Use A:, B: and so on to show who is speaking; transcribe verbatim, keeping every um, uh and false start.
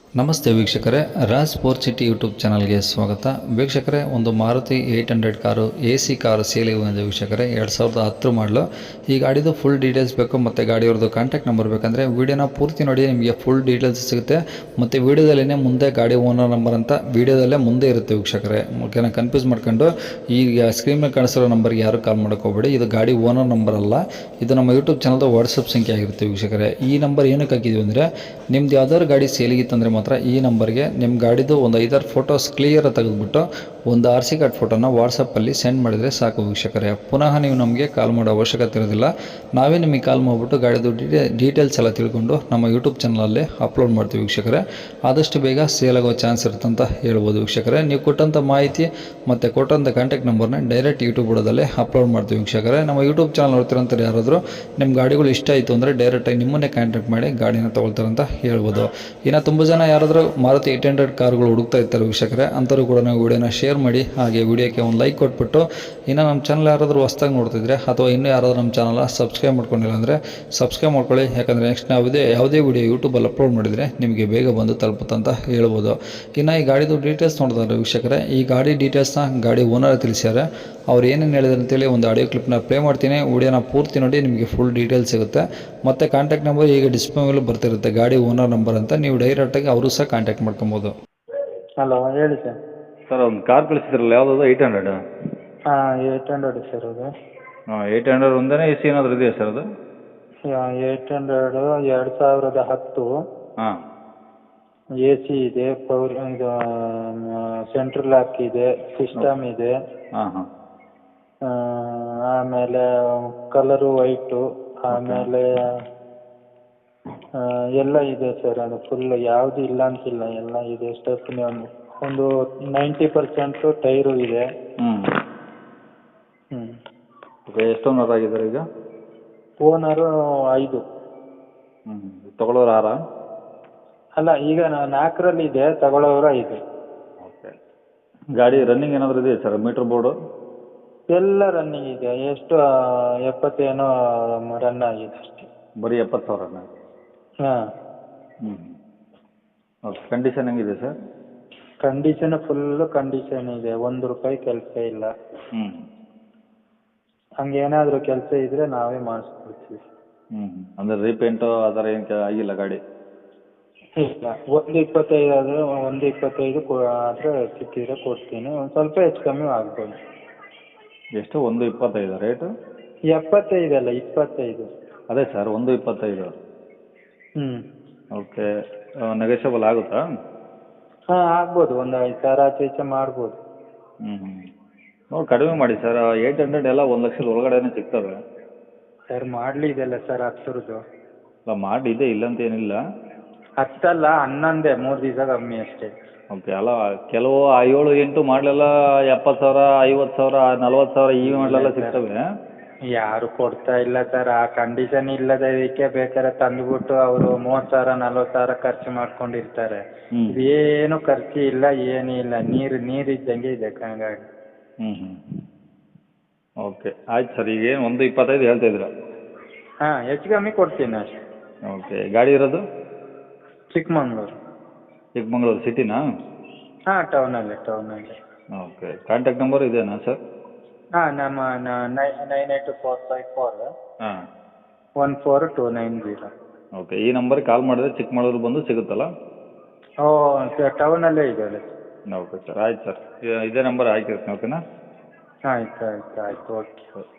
A: ನಮಸ್ತೆ ವೀಕ್ಷಕರೇ, Raj sport city YouTube ಚಾನಲ್ಗೆ ಸ್ವಾಗತ. ವೀಕ್ಷಕರೇ, ಒಂದು Maruti eight hundred car A C car ಸೇಲಿಗೆ ಬಂದಿದೆ ವೀಕ್ಷಕರೇ. ಎರಡು ಸಾವಿರದ ಹತ್ತು ಮಾಡಲು. ಈ ಗಾಡಿದು ಫುಲ್ ಡೀಟೇಲ್ಸ್ ಬೇಕು ಮತ್ತು ಗಾಡಿಯವ್ರದ್ದು ಕಾಂಟ್ಯಾಕ್ಟ್ ನಂಬರ್ ಬೇಕಂದರೆ ವೀಡಿಯೋನ ಪೂರ್ತಿ ನೋಡಿ, ನಿಮಗೆ ಫುಲ್ ಡೀಟೇಲ್ಸ್ ಸಿಗುತ್ತೆ. ಮತ್ತು ವೀಡಿಯೋದಲ್ಲೇ ಮುಂದೆ ಗಾಡಿ ಓನರ್ ನಂಬರ್ ಅಂತ ವೀಡಿಯೋದಲ್ಲೇ ಮುಂದೆ ಇರುತ್ತೆ ವೀಕ್ಷಕರೇ. ಓಕೆನಾ, ಕನ್ಫ್ಯೂಸ್ ಮಾಡ್ಕೊಂಡು ಈಗ ಸ್ಕ್ರೀನ್ ಮೇಲೆ ಕಾಣಿಸಿರೋ ನಂಬರ್ಗೆ ಯಾರು ಕಾಲ್ ಮಾಡೋಕೆ ಹೋಗಬೇಡಿ. ಇದು ಗಾಡಿ ಓನರ್ ನಂಬರ್ ಅಲ್ಲ, ಇದು ನಮ್ಮ ಯೂಟ್ಯೂಬ್ ಚಾನಲ್ದು ವಾಟ್ಸಪ್ ಸಂಖ್ಯೆ ಆಗಿರುತ್ತೆ ವೀಕ್ಷಕರೇ. ಈ ನಂಬರ್ ಏನಕ್ಕೆ ಹಾಕಿದ್ವಿ ಅಂದರೆ, ನಿಮ್ದು ಯಾವ್ದಾದ್ರು ಗಾಡಿ ಸೇಲಿಗಿತ್ತಂದರೆ ಮಾತ್ರ ಈ ನಂಬರ್ಗೆ ನಿಮ್ಮ ಗಾಡಿದು ಒಂದು ಐದಾರು ಫೋಟೋಸ್ ಕ್ಲಿಯರ್ ತೆಗೆದುಬಿಟ್ಟು ಒಂದು ಆರ್ ಸಿ ಕಾರ್ಡ್ ಫೋಟೋನ ವಾಟ್ಸಪ್ಪಲ್ಲಿ ಸೆಂಡ್ ಮಾಡಿದರೆ ಸಾಕು ವೀಕ್ಷಕರೇ. ಪುನಃ ನೀವು ನಮಗೆ ಕಾಲ್ ಮಾಡೋ ಅವಶ್ಯಕತೆ ಇರೋದಿಲ್ಲ. ನಾವೇ ನಿಮಗೆ ಕಾಲ್ ಮಾಡಿಬಿಟ್ಟು ಗಾಡಿದು ಡೀಟೇ ಡೀಟೇಲ್ಸ್ ಎಲ್ಲ ತಿಳ್ಕೊಂಡು ನಮ್ಮ ಯೂಟ್ಯೂಬ್ ಚಾನಲಲ್ಲಿ ಅಪ್ಲೋಡ್ ಮಾಡ್ತೀವಿ ವೀಕ್ಷಕರೇ. ಆದಷ್ಟು ಬೇಗ ಸೇಲ್ ಆಗೋ ಚಾನ್ಸ್ ಇರುತ್ತಂತ ಹೇಳ್ಬೋದು ವೀಕ್ಷಕರೇ. ನೀವು ಕೊಟ್ಟಂಥ ಮಾಹಿತಿ ಮತ್ತು ಕೊಟ್ಟಂಥ ಕಾಂಟ್ಯಾಕ್ಟ್ ನಂಬರ್ನ ಡೈರೆಕ್ಟ್ ಯೂಟ್ಯೂಬ್ ಬುಡದಲ್ಲೇ ಅಪ್ಲೋಡ್ ಮಾಡ್ತೀವಿ ವೀಕ್ಷಕರೇ. ನಮ್ಮ ಯೂಟ್ಯೂಬ್ ಚಾನಲ್ ನೋಡ್ತಿರೋಂಥವ್ರು ಯಾರಾದರೂ ನಿಮ್ಮ ಗಾಡಿಗಳು ಇಷ್ಟ ಆಯಿತು ಅಂದರೆ ಡೈರೆಕ್ಟಾಗಿ ನಿಮ್ಮನ್ನೇ ಕಾಂಟ್ಯಾಕ್ಟ್ ಮಾಡಿ ಗಾಡಿನ ತೊಗೊಳ್ತಾರಂತ ಹೇಳ್ಬೋದು. ಇನ್ನು ತುಂಬ ಜನ ಯಾರಾದರೂ ಮಾರುತಿ ಏಯ್ಟ್ ಹಂಡ್ರೆಡ್ ಕಾರ್ಗಳು ಹುಡುಕ್ತಾ ಇರ್ತಾರೆ ವೀಕ್ಷಕರೇ, ಅಂಥವ್ರು ಕೂಡ ನಾವು ವೀಡಿಯೋನ ಶೇರ್ ಮಾಡಿ, ಹಾಗೆ ವೀಡಿಯೋಕ್ಕೆ ಒಂದು ಲೈಕ್ ಕೊಟ್ಬಿಟ್ಟು, ಇನ್ನು ನಮ್ಮ ಚಾನಲ್ ಯಾರಾದರೂ ಹೊಸ್ದಾಗಿ ನೋಡ್ತಿದ್ರೆ ಅಥವಾ ಇನ್ನೂ ಯಾರಾದರೂ ನಮ್ಮ ಚಾನಲ್ ಸಬ್ಸ್ಕ್ರೈಬ್ ಮಾಡ್ಕೊಂಡಿಲ್ಲ ಅಂದರೆ ಸಬ್ಸ್ಕ್ರೈಬ್ ಮಾಡ್ಕೊಳ್ಳಿ. ಯಾಕಂದರೆ ನೆಕ್ಸ್ಟ್ ಯಾವುದೇ ಯಾವುದೇ ವೀಡಿಯೋ ಯೂಟ್ಯೂಬಲ್ಲಿ ಅಪ್ಲೋಡ್ ಮಾಡಿದರೆ ನಿಮಗೆ ಬೇಗ ಬಂದು ತಲುಪುತ್ತಂತ ಹೇಳ್ಬೋದು. ಇನ್ನು ಈ ಗಾಡಿದು ಡೀಟೇಲ್ಸ್ ನೋಡಿದ್ರೆ ವೀಕ್ಷಕರೇ, ಈ ಗಾಡಿ ಡೀಟೇಲ್ಸ್ನ ಗಾಡಿ ಓನರ್ ತಿಳಿಸ್ಯಾರೆ. ಅವ್ರು ಏನೇನು ಹೇಳಿದ್ರು ಅಂತೇಳಿ ಒಂದು ಆಡಿಯೋ ಕ್ಲಿಪ್ನ ಪ್ಲೇ ಮಾಡ್ತೀನಿ. ವೀಡಿಯೋನ ಪೂರ್ತಿ ನೋಡಿ, ನಿಮಗೆ ಫುಲ್ ಡೀಟೇಲ್ಸ್ ಸಿಗುತ್ತೆ. ಮತ್ತು ಕಾಂಟ್ಯಾಕ್ಟ್ ನಂಬರ್ ಈಗ ಡಿಸ್ಪ್ಲೇ ಮೇಲೆ ಬರ್ತಿರುತ್ತೆ, ಗಾಡಿ ಓನರ್ ನಂಬರ್ ಅಂತ. ನೀವು ಡೈರೆಕ್ಟಾಗಿ ಅವರು ಸಹ ಕಾಂಟ್ಯಾಕ್ಟ್ ಮಾಡ್ಕೊಬೋದು.
B: ಹಲೋ, ಹೇಳಿ ಸರ್.
C: ಸರ್, ಒಂದು ಕಾರ್ ಕಳಿಸಿದ್ರಲ್ಲ, ಯಾವುದದು? Eight hundred.
B: ಹಾಂ, ಏಯ್ಟ್ ಹಂಡ್ರೆಡ್ ಸರ್ ಅದು.
C: ಹಾಂ, ಏಯ್ಟ್ ಹಂಡ್ರೆಡ್ ಒಂದೇ ಎ ಸಿ ಏನಾದರೂ ಇದೆಯಾ ಸರ್ ಅದು?
B: ಏಯ್ಟ್ ಹಂಡ್ರೆಡು ಎರಡು ಸಾವಿರದ ಹತ್ತು.
C: ಹಾಂ.
B: ಎ ಸಿ ಇದೆ, ಪವರ್ ಇದು ಸೆಂಟ್ರಲ್ ಲಾಕ್ ಇದೆ, ಸಿಸ್ಟಮ್ ಇದೆ.
C: ಹಾಂ ಹಾಂ.
B: ಆಮೇಲೆ ಕಲರು ವೈಟು, ಆಮೇಲೆ ಎಲ್ಲ ಇದೆ ಸರ್. ಅದು ಫುಲ್ ಯಾವುದು ಇಲ್ಲ ಅಂತಿಲ್ಲ, ಎಲ್ಲ ಇದೆ. ಸ್ಟೆಪ್ನಿ ಒಂದು ಒಂದು ನೈಂಟಿ ಪರ್ಸೆಂಟು ಟೈರು ಇದೆ.
C: ಹ್ಞೂ
B: ಹ್ಞೂ
C: ಓಕೆ. ಎಷ್ಟು ಓನರ್ ಆಗಿದ್ದಾರೆ ಈಗ?
B: ಓನರು ಐದು.
C: ಹ್ಞೂ ತೊಗೊಳೋರು ಆರಾ?
B: ಅಲ್ಲ, ಈಗ ನಾಲ್ಕರಲ್ಲಿ ಇದೆ, ತಗೊಳ್ಳೋರು ಐದು.
C: ಓಕೆ. ಗಾಡಿ ರನ್ನಿಂಗ್ ಏನಾದರೂ ಇದೆಯಾ ಸರ್? ಮೀಟ್ರ್ ಬೋರ್ಡು
B: ಎಲ್ಲ ರನ್ನಿಂಗ್ ಇದೆ. ಎಷ್ಟು ಎಪ್ಪತ್ತೇನೋ ರನ್ ಆಗಿದೆ ಅಷ್ಟೇ.
C: ಬರೀ ಎಪ್ಪತ್ತು ಸಾವಿರನ?
B: ಹಾಂ.
C: ಹ್ಞೂ ಓಕೆ. ಕಂಡೀಷನ್ ಹೆಂಗಿದೆ ಸರ್?
B: ಕಂಡೀಷನ್ ಫುಲ್ಲು ಕಂಡೀಷನ್ ಇದೆ, ಒಂದು ರೂಪಾಯಿ ಕೆಲಸ ಇಲ್ಲ.
C: ಹ್ಞೂ
B: ಹಂಗೇನಾದರೂ ಕೆಲಸ ಇದ್ದರೆ ನಾವೇ ಮಾಡಿಸ್ಕೊಡ್ತೀವಿ.
C: ಹ್ಞೂ ಅಂದರೆ ರೀಪೇಂಟು ಆ ಥರ ಏನು ಆಗಿಲ್ಲ ಗಾಡಿ?
B: ಇಲ್ಲ, ಒಂದು ಇಪ್ಪತ್ತೈದು ಆದರೆ ಒಂದು ಇಪ್ಪತ್ತೈದು ಕೊ ಆದರೆ ಸಿಕ್ಕಿದ್ರೆ ಕೊಡ್ತೀನಿ. ಒಂದು ಸ್ವಲ್ಪ ಹೆಚ್ಚು ಕಮ್ಮಿ ಆಗ್ಬೋದು.
C: ಎಷ್ಟು? ಒಂದು ಇಪ್ಪತ್ತೈದು ರೇಟು?
B: ಎಪ್ಪತ್ತೈದಲ್ಲ, ಇಪ್ಪತ್ತೈದು.
C: ಅದೇ ಸರ್, ಒಂದು ಇಪ್ಪತ್ತೈದು.
B: ಹ್ಞೂ
C: ಓಕೆ. ನೆಗೋಷಿಯಬಲ್ ಆಗುತ್ತಾ?
B: ಹಾಂ, ಆಗ್ಬೋದು. ಒಂದು ಐದು ಸಾವಿರ ಆಚೆ ಈಚೆ ಮಾಡ್ಬೋದು.
C: ಹ್ಞೂ ಹ್ಞೂ ನೋಡಿ ಕಡಿಮೆ ಮಾಡಿ ಸರ್. ಏಯ್ಟ್ ಹಂಡ್ರೆಡ್ ಎಲ್ಲ ಒಂದು ಲಕ್ಷದ ಒಳಗಡೆನೇ ಸಿಗ್ತವೆ
B: ಸರ್. ಮಾಡಲಿ ಇದೆಲ್ಲ ಸರ್, ಹತ್ತರದ್ದು.
C: ಅಲ್ಲ, ಮಾಡಿ ಇದೆ, ಇಲ್ಲ ಅಂತ ಏನಿಲ್ಲ.
B: ಹತ್ತಲ್ಲ, ಹನ್ನೊಂದೇ, ಮೂರು ದಿವಸ ಕಮ್ಮಿ ಅಷ್ಟೇ.
C: ಓಕೆ. ಅಲ್ಲ, ಕೆಲವು ಏಳು ಎಂಟು ಮಾಡಲೆಲ್ಲ ಎಪ್ಪತ್ತು ಸಾವಿರ, ಐವತ್ತು ಸಾವಿರ, ನಲ್ವತ್ತು ಸಾವಿರ ಈ ಮಾಡಲೆಲ್ಲ ಸಿಗ್ತವೆ.
B: ಯಾರು ಕೊಡ್ತಾ ಇಲ್ಲ ಸರ್. ಆ ಕಂಡೀಷನ್ ಇಲ್ಲದಕ್ಕೆ ಬೇಕಾದ್ರೆ ತಂದುಬಿಟ್ಟು ಅವರು ಮೂವತ್ತು ಸಾವಿರ ನಲ್ವತ್ತು ಸಾವಿರ ಖರ್ಚು ಮಾಡ್ಕೊಂಡಿರ್ತಾರೆ.
C: ಹ್ಞೂ
B: ಏನು ಖರ್ಚು ಇಲ್ಲ, ಏನೂ ಇಲ್ಲ. ನೀರು ನೀರು ಇದ್ದಂಗೆ ಇದೆ ಗಾಡಿ.
C: ಹ್ಞೂ ಹ್ಞೂ ಓಕೆ. ಆಯ್ತು ಸರ್. ಈಗೇನು ಒಂದು ಇಪ್ಪತ್ತೈದು ಹೇಳ್ತಾ ಇದ್ದೀರಾ?
B: ಹಾಂ, ಹೆಚ್ಚು ಕಮ್ಮಿ ಕೊಡ್ತೀನಿ ಅಷ್ಟೇ.
C: ಓಕೆ. ಗಾಡಿ ಇರೋದು
B: ಚಿಕ್ಕಮಂಗ್ಳೂರು.
C: ಚಿಕ್ಕಮಂಗ್ಳೂರು ಸಿಟಿನಾ?
B: ಹಾಂ, ಟೌನಲ್ಲಿ ಟೌನಲ್ಲಿ.
C: ಓಕೆ. ಕಾಂಟ್ಯಾಕ್ಟ್ ನಂಬರ್ ಇದೆಯಾ ಸರ್?
B: ಹಾಂ, ನಮ್ಮ nine nine eight four five four
C: ಹಾಂ
B: one four two nine zero.
C: Okay. ಈ ನಂಬರ್ಗೆ ಕಾಲ್ ಮಾಡಿದ್ರೆ ಚಿಕ್ಕಮಗಳೂರು ಬಂದು ಸಿಗುತ್ತಲ್ಲ?
B: ಓ ಸರ್, ಟೌನಲ್ಲೇ ಇದೆ.
C: Okay sir. ಆಯ್ತು ಸರ್, ಇದೇ ನಂಬರ್ ಹಾಕಿರ್ತೀನಿ. ಓಕೆನಾ?
B: ಆಯ್ತು ಆಯ್ತು ಆಯ್ತು ಓಕೆ.